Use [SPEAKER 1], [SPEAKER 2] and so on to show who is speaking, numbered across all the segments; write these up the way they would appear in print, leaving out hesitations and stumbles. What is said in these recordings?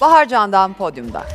[SPEAKER 1] Bahar Can'dan podyumda.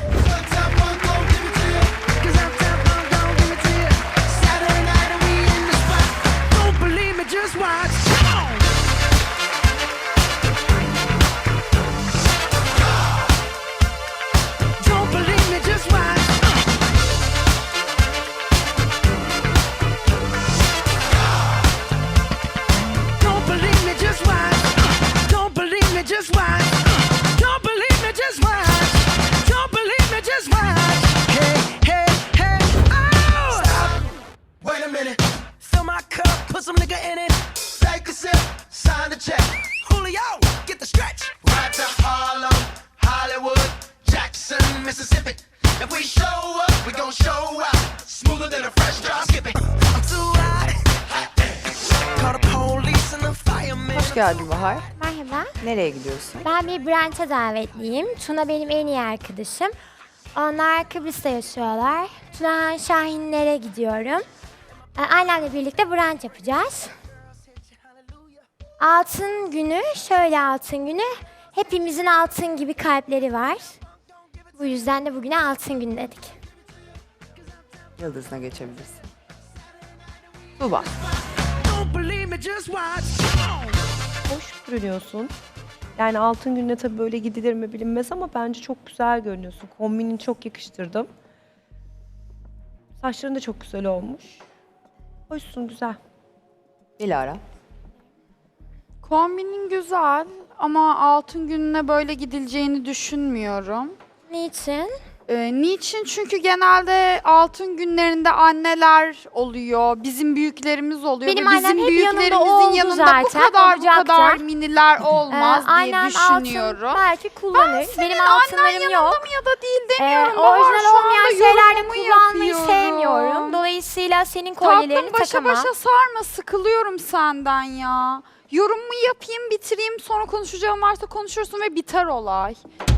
[SPEAKER 2] Some nigga in it. Take a sip, sign the check. Julio, get the stretch. Right to Harlem, Hollywood, Jackson, Mississippi. If we show up, we gon' show out. Smoother than a fresh drop skipping. I'm too hot. Call the police and the firemen.
[SPEAKER 1] Hoş geldin Bahar.
[SPEAKER 3] Merhaba.
[SPEAKER 1] Nereye gidiyorsun?
[SPEAKER 3] Ben bir brunch'a davetliyim. Tuna benim en iyi arkadaşım. Onlar Kıbrıs'ta yaşıyorlar. Tuna Şahinlere gidiyorum. Ailemle birlikte brunch yapacağız. Altın günü, şöyle altın günü. Hepimizin altın gibi kalpleri var. Bu yüzden de bugüne altın günü dedik.
[SPEAKER 1] Yıldız'ına geçebilirsin. Tuğba.
[SPEAKER 4] Hoş görünüyorsun. Yani altın gününe tabii böyle gidilir mi bilinmez ama bence çok güzel görünüyorsun. Kombinini çok yakıştırdım. Saçların da çok güzel olmuş. Hoşsun, güzel.
[SPEAKER 1] Dilara.
[SPEAKER 5] Kombinin güzel ama altın gününe böyle gidileceğini düşünmüyorum.
[SPEAKER 3] Niçin?
[SPEAKER 5] Niçin? Çünkü genelde altın günlerinde anneler oluyor, bizim büyüklerimiz oluyor.
[SPEAKER 3] Benim
[SPEAKER 5] ve
[SPEAKER 3] annem
[SPEAKER 5] bizim
[SPEAKER 3] hep yanında
[SPEAKER 5] büyüklerimizin
[SPEAKER 3] oldu
[SPEAKER 5] yanında
[SPEAKER 3] zaten,
[SPEAKER 5] bu kadar
[SPEAKER 3] olacaktı.
[SPEAKER 5] miniler olmaz diye
[SPEAKER 3] Annem
[SPEAKER 5] düşünüyorum.
[SPEAKER 3] altın belki kullanır.
[SPEAKER 5] Senin
[SPEAKER 3] Benim
[SPEAKER 5] annen
[SPEAKER 3] altınlarım
[SPEAKER 5] yanında
[SPEAKER 3] yok.
[SPEAKER 5] mı ya da değil demiyorum. Bahar,
[SPEAKER 3] Orijinal
[SPEAKER 5] şu anda
[SPEAKER 3] olmayan şeylerde
[SPEAKER 5] yorumumu
[SPEAKER 3] kullanmayı
[SPEAKER 5] yapıyorum.
[SPEAKER 3] sevmiyorum. Dolayısıyla senin kolyelerini
[SPEAKER 5] Tatlım başa
[SPEAKER 3] takamam.
[SPEAKER 5] başa sarma, sıkılıyorum senden ya. Yorumumu yapayım, bitireyim, sonra konuşacağım varsa konuşursun ve biter olay.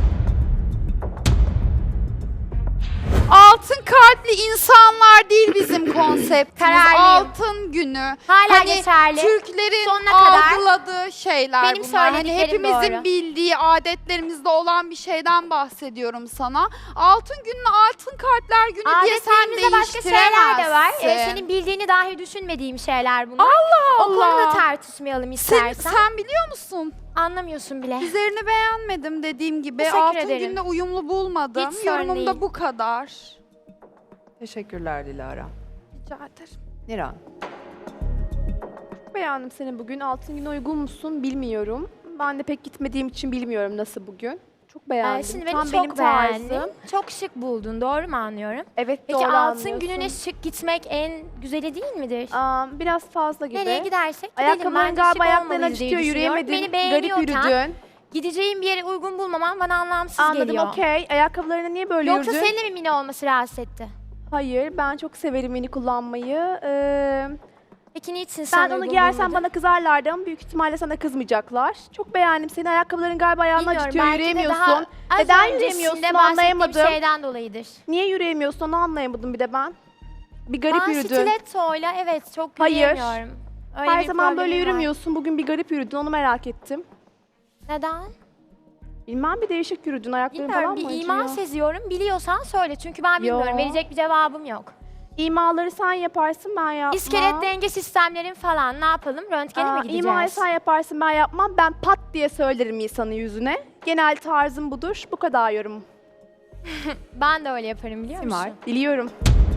[SPEAKER 5] Altın kalpli insanlar değil bizim konseptimiz.
[SPEAKER 3] Kararlıyım.
[SPEAKER 5] Altın günü.
[SPEAKER 3] Hala geçerli.
[SPEAKER 5] Türklerin
[SPEAKER 3] Sonuna kadar.
[SPEAKER 5] algıladığı şeyler
[SPEAKER 3] Benim
[SPEAKER 5] bunlar. Hani
[SPEAKER 3] söylediklerim
[SPEAKER 5] hepimizin
[SPEAKER 3] doğru.
[SPEAKER 5] bildiği, adetlerimizde olan bir şeyden bahsediyorum sana. Altın gününe altın kalpler günü diye sen
[SPEAKER 3] Adetlerimizde başka şeyler de var.
[SPEAKER 5] değiştiremezsin.
[SPEAKER 3] Senin bildiğini dahi düşünmediğim şeyler bunlar.
[SPEAKER 5] Allah
[SPEAKER 3] O konuda
[SPEAKER 5] Allah.
[SPEAKER 3] tartışmayalım
[SPEAKER 5] Sen,
[SPEAKER 3] istersen.
[SPEAKER 5] sen biliyor musun?
[SPEAKER 3] Anlamıyorsun bile.
[SPEAKER 5] Üzerini beğenmedim dediğim gibi.
[SPEAKER 3] Teşekkür
[SPEAKER 5] Altın
[SPEAKER 3] ederim.
[SPEAKER 5] gününe uyumlu bulmadım.
[SPEAKER 3] Hiç sorun
[SPEAKER 5] Yorumum da
[SPEAKER 3] değil.
[SPEAKER 5] bu kadar.
[SPEAKER 1] Teşekkürler Dilara.
[SPEAKER 5] Rica ederim.
[SPEAKER 1] Niran.
[SPEAKER 6] Beğendim seni bugün. Altın güne uygun musun bilmiyorum. Ben de pek gitmediğim için bilmiyorum nasıl bugün. Çok beğendim.
[SPEAKER 3] Şimdi beni
[SPEAKER 6] Tam
[SPEAKER 3] çok
[SPEAKER 6] benim
[SPEAKER 3] beğendin.
[SPEAKER 6] tarzım.
[SPEAKER 3] Çok şık buldun. Doğru mu anlıyorum?
[SPEAKER 6] Evet,
[SPEAKER 3] Peki
[SPEAKER 6] doğru
[SPEAKER 3] altın
[SPEAKER 6] anlıyorsun.
[SPEAKER 3] gününe şık gitmek en güzeli değil midir?
[SPEAKER 6] Biraz fazla gibi.
[SPEAKER 3] Nereye gidersek gidelim.
[SPEAKER 6] Ayakkabıların
[SPEAKER 3] Bence
[SPEAKER 6] galiba
[SPEAKER 3] şık
[SPEAKER 6] ayaklarını
[SPEAKER 3] olmalıyız diye
[SPEAKER 6] acıtıyor,
[SPEAKER 3] düşünüyorum.
[SPEAKER 6] yürüyemedin.
[SPEAKER 3] Beni
[SPEAKER 6] Garip
[SPEAKER 3] beğeniyorken
[SPEAKER 6] yürüdün.
[SPEAKER 3] gideceğim bir yere uygun bulmamam bana anlamsız
[SPEAKER 6] Anladım,
[SPEAKER 3] geliyor.
[SPEAKER 6] okey. Ayakkabılarına niye böyle
[SPEAKER 3] Yoksa
[SPEAKER 6] yürüdün?
[SPEAKER 3] senin de mi mini olması rahatsız etti?
[SPEAKER 6] Hayır, ben çok severim mini kullanmayı.
[SPEAKER 3] Peki niçin sen
[SPEAKER 6] Ben onu
[SPEAKER 3] uygun
[SPEAKER 6] giyersem
[SPEAKER 3] bulmadın?
[SPEAKER 6] bana kızarlardı ama büyük ihtimalle sana kızmayacaklar. Çok beğendim seni. Ayakkabıların galiba ayağını
[SPEAKER 3] Bilmiyorum,
[SPEAKER 6] acıtıyor,
[SPEAKER 3] belki de
[SPEAKER 6] yürüyemiyorsun.
[SPEAKER 3] daha az
[SPEAKER 6] Neden
[SPEAKER 3] öncesinde
[SPEAKER 6] yürüyemiyorsun
[SPEAKER 3] bahsettiğim
[SPEAKER 6] anlayamadım.
[SPEAKER 3] şeyden dolayıdır.
[SPEAKER 6] Niye yürüyemiyorsun onu anlayamadım bir de ben. Bir garip
[SPEAKER 3] Ben
[SPEAKER 6] yürüdün.
[SPEAKER 3] stilettoyla evet çok
[SPEAKER 6] Hayır.
[SPEAKER 3] yürüyemiyorum. Öyle
[SPEAKER 6] Her
[SPEAKER 3] bir
[SPEAKER 6] zaman böyle
[SPEAKER 3] problemim var.
[SPEAKER 6] yürümüyorsun. Bugün bir garip yürüdün. Onu merak ettim.
[SPEAKER 3] Neden?
[SPEAKER 6] Bilmem bir değişik yürüdün. Ayakların
[SPEAKER 3] Bilmiyorum,
[SPEAKER 6] falan
[SPEAKER 3] bir
[SPEAKER 6] mı
[SPEAKER 3] ima
[SPEAKER 6] acıyor?
[SPEAKER 3] seziyorum. Biliyorsan söyle çünkü ben bilmiyorum.
[SPEAKER 6] Yo.
[SPEAKER 3] Verecek bir cevabım yok.
[SPEAKER 6] İmaları sen yaparsın ben yapmam.
[SPEAKER 3] İskelet denge sistemlerin falan ne yapalım? Röntgene mi gideceğiz?
[SPEAKER 6] İmayı sen yaparsın ben yapmam. Ben pat diye söylerim insanın yüzüne. Genel tarzım budur. Bu kadar yorum.
[SPEAKER 3] Ben de öyle yaparım biliyor musun?
[SPEAKER 1] Simay.
[SPEAKER 6] Biliyorum.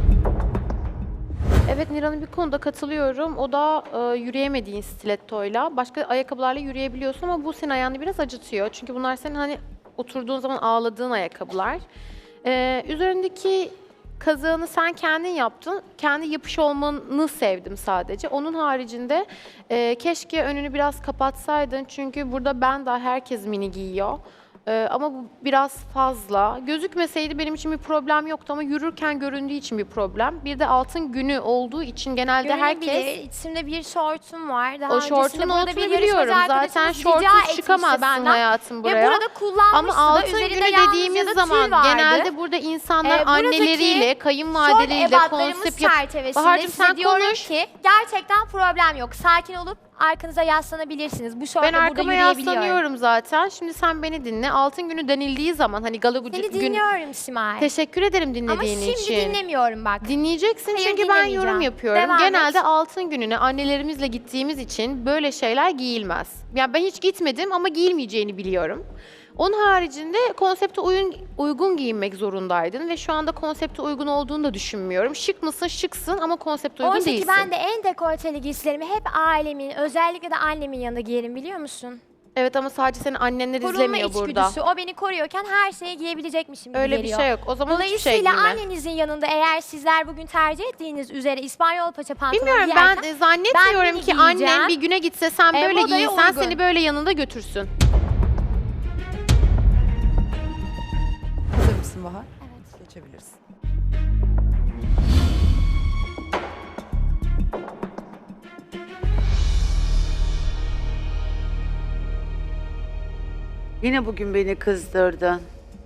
[SPEAKER 7] Evet, Niran'a bir konuda katılıyorum. O da yürüyemediğin stilettoyla. Başka ayakkabılarla yürüyebiliyorsun ama bu senin ayağını biraz acıtıyor. Çünkü bunlar senin hani oturduğun zaman ağladığın ayakkabılar. Üzerindeki kazağını sen kendin yaptın. Kendi yapış olmanı sevdim sadece. Onun haricinde keşke önünü biraz kapatsaydın. Çünkü burada ben daha herkes mini giyiyor. Ama bu biraz fazla. Gözükmeseydi benim için bir problem yoktu ama yürürken göründüğü için bir problem. Bir de altın günü olduğu için genelde herkes...
[SPEAKER 3] Görünebilir. İçimde bir şortum var. Daha
[SPEAKER 7] O
[SPEAKER 3] öncesinde
[SPEAKER 7] şortun
[SPEAKER 3] burada
[SPEAKER 7] altını
[SPEAKER 3] bir yarışmacı
[SPEAKER 7] biliyorum. Zaten
[SPEAKER 3] arkadaşımız rica
[SPEAKER 7] şortsuz
[SPEAKER 3] etmişti
[SPEAKER 7] çıkamazsın
[SPEAKER 3] benden.
[SPEAKER 7] hayatım buraya.
[SPEAKER 3] Ve burada kullanmıştı
[SPEAKER 7] Ama
[SPEAKER 3] da
[SPEAKER 7] altın
[SPEAKER 3] üzerinde
[SPEAKER 7] günü
[SPEAKER 3] yalnız
[SPEAKER 7] dediğimiz
[SPEAKER 3] ya da tüy
[SPEAKER 7] zaman
[SPEAKER 3] vardı.
[SPEAKER 7] genelde burada insanlar
[SPEAKER 3] Buradaki
[SPEAKER 7] anneleriyle,
[SPEAKER 3] Şort
[SPEAKER 7] kayınvalideleriyle
[SPEAKER 3] ebatlarımız
[SPEAKER 7] konsept yap...
[SPEAKER 3] çerçevesinde
[SPEAKER 7] Bahar'cığım
[SPEAKER 3] size
[SPEAKER 7] sen
[SPEAKER 3] diyorum
[SPEAKER 7] konuş.
[SPEAKER 3] ki gerçekten problem yok. Sakin olup arkanıza yaslanabilirsiniz. Bu
[SPEAKER 7] Ben
[SPEAKER 3] şortla burada
[SPEAKER 7] arkama
[SPEAKER 3] yürüyebiliyorum.
[SPEAKER 7] yaslanıyorum zaten. Şimdi sen beni dinle. Altın günü denildiği zaman hani gala
[SPEAKER 3] Seni
[SPEAKER 7] gün...
[SPEAKER 3] dinliyorum Simay.
[SPEAKER 7] Teşekkür ederim
[SPEAKER 3] Ama
[SPEAKER 7] dinlediğin
[SPEAKER 3] şimdi
[SPEAKER 7] için.
[SPEAKER 3] dinlemiyorum bak.
[SPEAKER 7] Dinleyeceksin
[SPEAKER 3] Hayır,
[SPEAKER 7] çünkü ben
[SPEAKER 3] dinlemeyeceğim.
[SPEAKER 7] yorum yapıyorum.
[SPEAKER 3] Devam
[SPEAKER 7] Genelde
[SPEAKER 3] et.
[SPEAKER 7] altın gününe annelerimizle gittiğimiz için böyle şeyler giyilmez. Yani ben hiç gitmedim ama giyilmeyeceğini biliyorum. Onun haricinde konsepte uygun giyinmek zorundaydın ve şu anda konsepte uygun olduğunu da düşünmüyorum. Şık mısın? Şıksın ama konsepte uygun
[SPEAKER 3] Oysa ki
[SPEAKER 7] değilsin.
[SPEAKER 3] ben de en dekolteli giysilerimi hep ailemin, özellikle de annemin yanında giyerim biliyor musun?
[SPEAKER 7] Evet ama sadece seni annenler
[SPEAKER 3] Korunma
[SPEAKER 7] izlemiyor burada.
[SPEAKER 3] içgüdüsü. O beni koruyorken her şeyi giyebilecekmişim gibi
[SPEAKER 7] Öyle bir
[SPEAKER 3] geliyor.
[SPEAKER 7] şey yok. O zaman hiçbir şey
[SPEAKER 3] Dolayısıyla
[SPEAKER 7] giyme.
[SPEAKER 3] annenizin yanında eğer sizler bugün tercih ettiğiniz üzere İspanyol paça pantolon
[SPEAKER 7] Bilmiyorum
[SPEAKER 3] giyerken
[SPEAKER 7] ben zannetmiyorum
[SPEAKER 3] ben
[SPEAKER 7] ki
[SPEAKER 3] mini giyeceğim.
[SPEAKER 7] annen bir güne gitse sen böyle
[SPEAKER 3] modaya
[SPEAKER 7] giyinsen
[SPEAKER 3] uygun.
[SPEAKER 7] seni böyle yanında götürsün.
[SPEAKER 1] Hazır mısın Bahar?
[SPEAKER 3] Evet.
[SPEAKER 1] Geçebilirsin.
[SPEAKER 8] Yine bugün beni kızdırdın.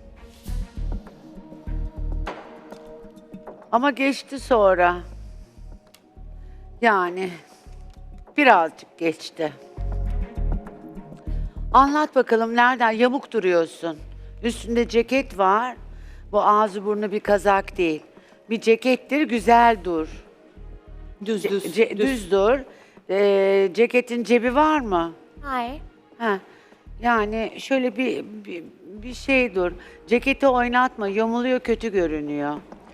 [SPEAKER 8] Ama geçti sonra. Yani birazcık geçti. Anlat bakalım nereden yamuk duruyorsun? Üstünde ceket var. Bu ağzı burnu bir kazak değil. Bir cekettir, güzel dur.
[SPEAKER 4] Düz
[SPEAKER 8] Düz dur. Ceketin cebi var mı?
[SPEAKER 3] Hayır.
[SPEAKER 8] Ha. Yani şöyle bir şey dur. Ceketi oynatma, yamuluyor, kötü görünüyor.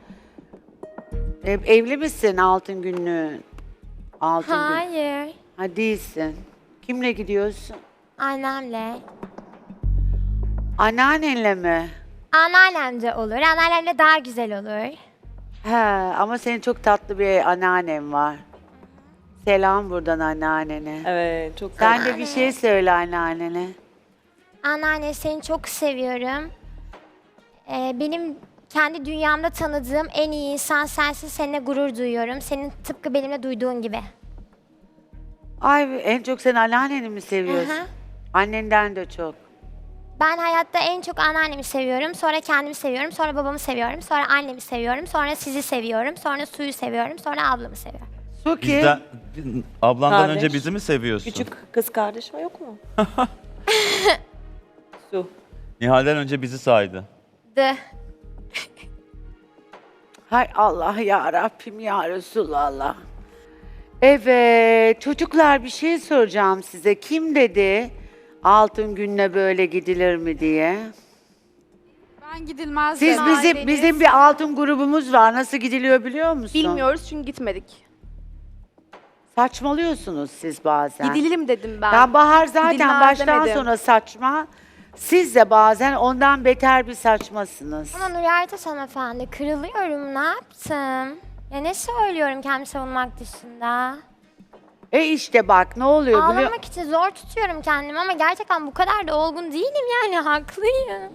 [SPEAKER 8] Evli misin altın günlüğün? Altın gün.
[SPEAKER 3] Hayır.
[SPEAKER 8] Ha değilsin. Kimle gidiyorsun?
[SPEAKER 3] Annemle.
[SPEAKER 8] Anneannenle mi?
[SPEAKER 3] Anneannem de olur. Anneannemle daha güzel olur.
[SPEAKER 8] He, ama senin çok tatlı bir anneannen var. Selam buradan anneannene.
[SPEAKER 4] Evet, çok
[SPEAKER 8] Sen de bir şey söyle anneannene.
[SPEAKER 3] Anneanne seni çok seviyorum. Benim kendi dünyamda tanıdığım en iyi insan sensin. Seninle gurur duyuyorum. Senin tıpkı benimle duyduğun gibi.
[SPEAKER 8] Ay en çok sen anneanneni mi seviyorsun?
[SPEAKER 3] Hı hı.
[SPEAKER 8] Annenden de çok.
[SPEAKER 3] Ben hayatta en çok anneannemi seviyorum. Sonra kendimi seviyorum. Sonra babamı seviyorum. Sonra annemi seviyorum. Sonra sizi seviyorum. Sonra suyu seviyorum. Sonra ablamı seviyorum.
[SPEAKER 8] Suki.
[SPEAKER 9] Bizden, ablandan
[SPEAKER 4] Kardeş.
[SPEAKER 9] önce bizi mi seviyorsun?
[SPEAKER 4] Küçük kız kardeşim yok mu? Su.
[SPEAKER 9] Nihal'den önce bizi saydı.
[SPEAKER 3] De.
[SPEAKER 8] Hay Allah ya Rabbim ya Resulallah. Evet çocuklar bir şey soracağım size. Kim dedi altın gününe böyle gidilir mi diye?
[SPEAKER 5] Ben gidilmez
[SPEAKER 8] Siz
[SPEAKER 5] dedim.
[SPEAKER 8] bizim bir altın grubumuz var. Nasıl gidiliyor biliyor musun?
[SPEAKER 6] Bilmiyoruz çünkü gitmedik.
[SPEAKER 8] Saçmalıyorsunuz siz bazen.
[SPEAKER 6] Gidilim dedim ben.
[SPEAKER 8] Ya Bahar zaten
[SPEAKER 6] Gidilmez
[SPEAKER 8] baştan
[SPEAKER 6] demedim.
[SPEAKER 8] sona saçma. Siz de bazen ondan beter bir saçmasınız.
[SPEAKER 3] Ama Nuri Ertaş hanımefendi kırılıyorum. Ne yaptım? Ya ne söylüyorum kendimi savunmak dışında?
[SPEAKER 8] İşte bak ne oluyor biliyor
[SPEAKER 3] Ağlamak için zor tutuyorum kendimi ama gerçekten bu kadar da olgun değilim yani haklıyım.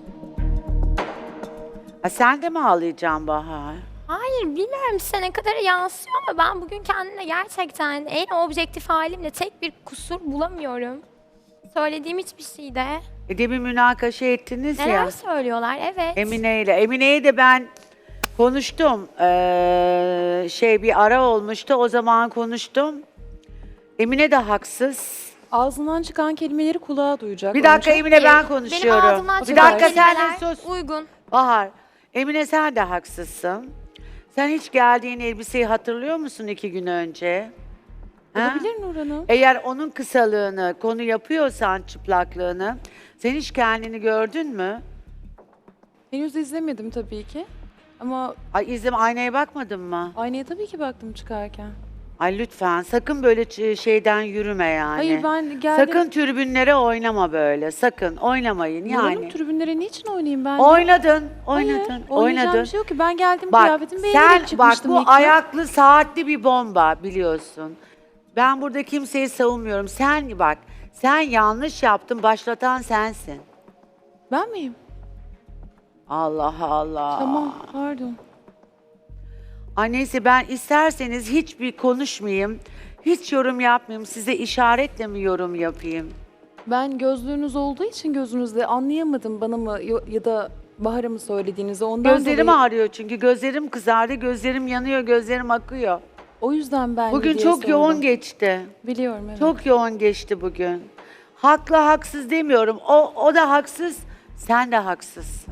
[SPEAKER 8] Ha, sen de mi ağlayacaksın Bahar?
[SPEAKER 3] Hayır bilmiyorum size ne kadar yansıyor ama ben bugün kendimde gerçekten en objektif halimle tek bir kusur bulamıyorum. Söylediğim hiçbir şeyde.
[SPEAKER 8] Demin münakaşa ettiniz
[SPEAKER 3] Neler
[SPEAKER 8] ya.
[SPEAKER 3] söylüyorlar evet.
[SPEAKER 8] Emine ile. Emine'yi de ben konuştum. Bir ara olmuştu. O zaman konuştum. Emine de haksız.
[SPEAKER 10] Ağzından çıkan kelimeleri kulağa duyacak.
[SPEAKER 8] Bir dakika
[SPEAKER 10] önce.
[SPEAKER 8] Emine ben
[SPEAKER 3] Benim
[SPEAKER 8] konuşuyorum.
[SPEAKER 3] ağzımdan
[SPEAKER 8] Bir
[SPEAKER 3] çıkan
[SPEAKER 8] dakika sen
[SPEAKER 3] kelimeler
[SPEAKER 8] de sus.
[SPEAKER 3] uygun.
[SPEAKER 8] Bahar. Emine sen de haksızsın. Sen hiç geldiğin elbiseyi hatırlıyor musun 2 gün önce? Ha?
[SPEAKER 10] Olabilir Nur Hanım.
[SPEAKER 8] Eğer onun kısalığını konu yapıyorsan çıplaklığını sen hiç kendini gördün mü?
[SPEAKER 10] Henüz izlemedim tabii ki. Ama
[SPEAKER 8] Ay aynaya bakmadın mı?
[SPEAKER 10] aynaya tabii ki baktım çıkarken.
[SPEAKER 8] Ay lütfen sakın böyle şeyden yürüme yani.
[SPEAKER 10] Hayır ben geldim.
[SPEAKER 8] Sakın tribünlere oynama böyle. Sakın oynamayın
[SPEAKER 10] Nur Hanım
[SPEAKER 8] yani.
[SPEAKER 10] tribünlere niçin oynayayım ben?
[SPEAKER 8] Oynadın,
[SPEAKER 10] Hayır,
[SPEAKER 8] oynadın,
[SPEAKER 10] oynayacağım
[SPEAKER 8] oynadın.
[SPEAKER 10] bir şey yok ki. Ben geldim
[SPEAKER 8] Bak
[SPEAKER 10] kıyafetimi beğenerek
[SPEAKER 8] sen bak
[SPEAKER 10] çıkmıştım
[SPEAKER 8] bu
[SPEAKER 10] ilk gün.
[SPEAKER 8] ayaklı saatli bir bomba biliyorsun. Ben burada kimseyi savunmuyorum. Sen yanlış yaptın. Başlatan sensin.
[SPEAKER 10] Ben miyim?
[SPEAKER 8] Allah Allah.
[SPEAKER 10] Tamam pardon.
[SPEAKER 8] Ay neyse ben isterseniz hiçbir konuşmayayım. Hiç yorum yapmayayım. Size işaretle mi yorum yapayım?
[SPEAKER 10] Ben gözlüğünüz olduğu için gözünüzde anlayamadım bana mı ya da Bahar'a mı söylediğinizi. Ondan
[SPEAKER 8] Gözlerim
[SPEAKER 10] dolayı
[SPEAKER 8] ağrıyor çünkü gözlerim kızardı, gözlerim yanıyor, gözlerim akıyor.
[SPEAKER 10] O yüzden ben
[SPEAKER 8] Bugün
[SPEAKER 10] diye
[SPEAKER 8] çok
[SPEAKER 10] sordum.
[SPEAKER 8] yoğun geçti.
[SPEAKER 10] Biliyorum evet.
[SPEAKER 8] Çok yoğun geçti bugün. Haklı haksız demiyorum. O da haksız, sen de haksızsın.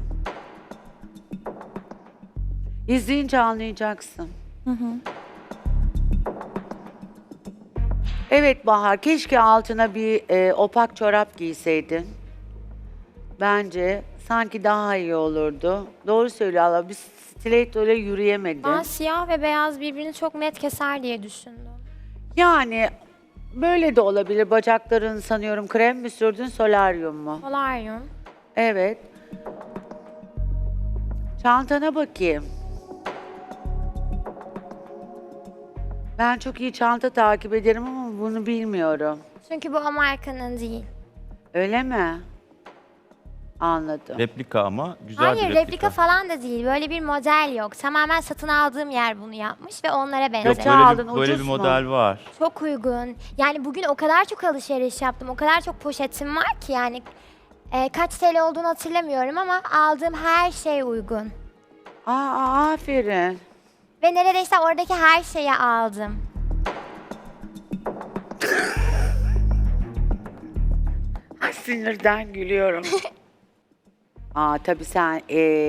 [SPEAKER 8] İzleyince anlayacaksın. Evet Bahar, keşke altına bir opak çorap giyseydin. Bence sanki daha iyi olurdu. Doğru söylüyor Allah. Bir stiletto ile yürüyemedi.
[SPEAKER 3] Ben siyah ve beyaz birbirini çok net keser diye düşündüm.
[SPEAKER 8] Yani böyle de olabilir. Bacakların sanıyorum krem mi sürdün, solaryum mu?
[SPEAKER 3] Polaryum.
[SPEAKER 8] Evet. Çantana bakayım. Ben çok iyi çanta takip ederim ama bunu bilmiyorum.
[SPEAKER 3] Çünkü bu o markanın değil.
[SPEAKER 8] Öyle mi? Anladım.
[SPEAKER 9] Replika ama güzel
[SPEAKER 3] Hayır,
[SPEAKER 9] bir
[SPEAKER 3] replika falan da değil. Böyle bir model yok. Tamamen satın aldığım yer bunu yapmış ve onlara
[SPEAKER 9] Yok,
[SPEAKER 3] benzer.
[SPEAKER 8] Kaça aldın,
[SPEAKER 9] böyle
[SPEAKER 8] ucuz
[SPEAKER 9] bir
[SPEAKER 8] mu?
[SPEAKER 9] model var.
[SPEAKER 3] Çok uygun. Yani bugün o kadar çok alışveriş yaptım. O kadar çok poşetim var ki yani kaç TL olduğunu hatırlamıyorum ama aldığım her şey uygun.
[SPEAKER 8] Aferin.
[SPEAKER 3] Ve neredeyse oradaki her şeyi aldım.
[SPEAKER 8] Ay, sinirden gülüyorum. Tabii sen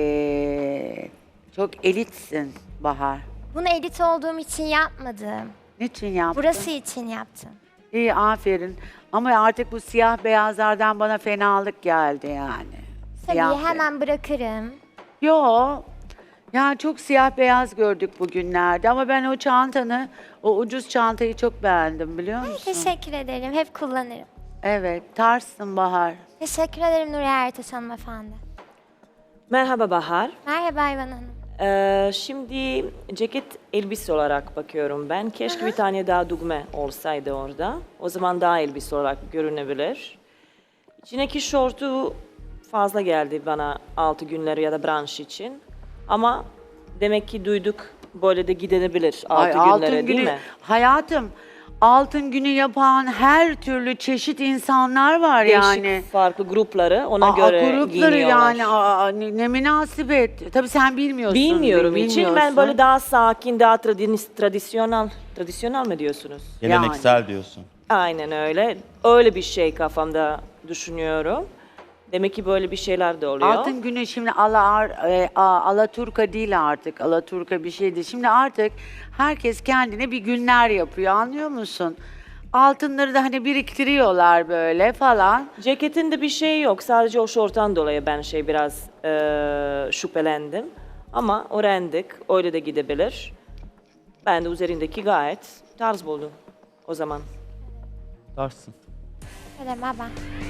[SPEAKER 8] çok elitsin Bahar.
[SPEAKER 3] Bunu edit olduğum için yapmadım.
[SPEAKER 8] Niçin yaptın?
[SPEAKER 3] Burası için yaptım.
[SPEAKER 8] İyi, aferin. Ama artık bu siyah beyazlardan bana fenalık geldi yani.
[SPEAKER 3] Tabii
[SPEAKER 8] Siyah
[SPEAKER 3] hemen bırakırım.
[SPEAKER 8] Yo. Yani çok siyah beyaz gördük bugünlerde ama ben o çantanı, o ucuz çantayı çok beğendim biliyor musun?
[SPEAKER 3] Teşekkür ederim. Hep kullanırım.
[SPEAKER 8] Evet, tarzsın Bahar.
[SPEAKER 3] Teşekkür ederim Nuriye Ertaş hanımefendi.
[SPEAKER 11] Merhaba Bahar.
[SPEAKER 3] Merhaba Ayvan Hanım.
[SPEAKER 11] Şimdi ceket elbise olarak bakıyorum ben. Keşke bir tane daha düğme olsaydı orada. O zaman daha elbise olarak görünebilir. İçindeki şortu fazla geldi bana 6 günleri ya da branş için. Ama demek ki duyduk böyle de gidebilir 6 günlere değil mi?
[SPEAKER 8] Hayatım, altın günü yapan her türlü çeşit insanlar var yani.
[SPEAKER 11] Değişik farklı grupları ona göre
[SPEAKER 8] grupları
[SPEAKER 11] giyiniyorlar.
[SPEAKER 8] yani ne münasebet. Tabii sen bilmiyorsun.
[SPEAKER 11] Bilmiyorum için ben
[SPEAKER 8] bilmiyorsun.
[SPEAKER 11] böyle daha sakin, daha tradisyonel mi diyorsunuz?
[SPEAKER 9] Geleneksel diyorsun.
[SPEAKER 11] Aynen öyle. Öyle bir şey kafamda düşünüyorum. Demek ki böyle bir şeyler de oluyor.
[SPEAKER 8] Altın günü şimdi Alaturka değil artık. Alaturka bir şeydi. Şimdi artık herkes kendine bir günler yapıyor, anlıyor musun? Altınları da hani biriktiriyorlar böyle falan.
[SPEAKER 11] Ceketinde bir şey yok. Sadece o şorttan dolayı ben biraz şüphelendim. Ama öğrendik. Öyle de gidebilir. Ben de üzerindeki gayet tarz buldum o zaman.
[SPEAKER 9] Tarzsın.
[SPEAKER 3] Merhaba.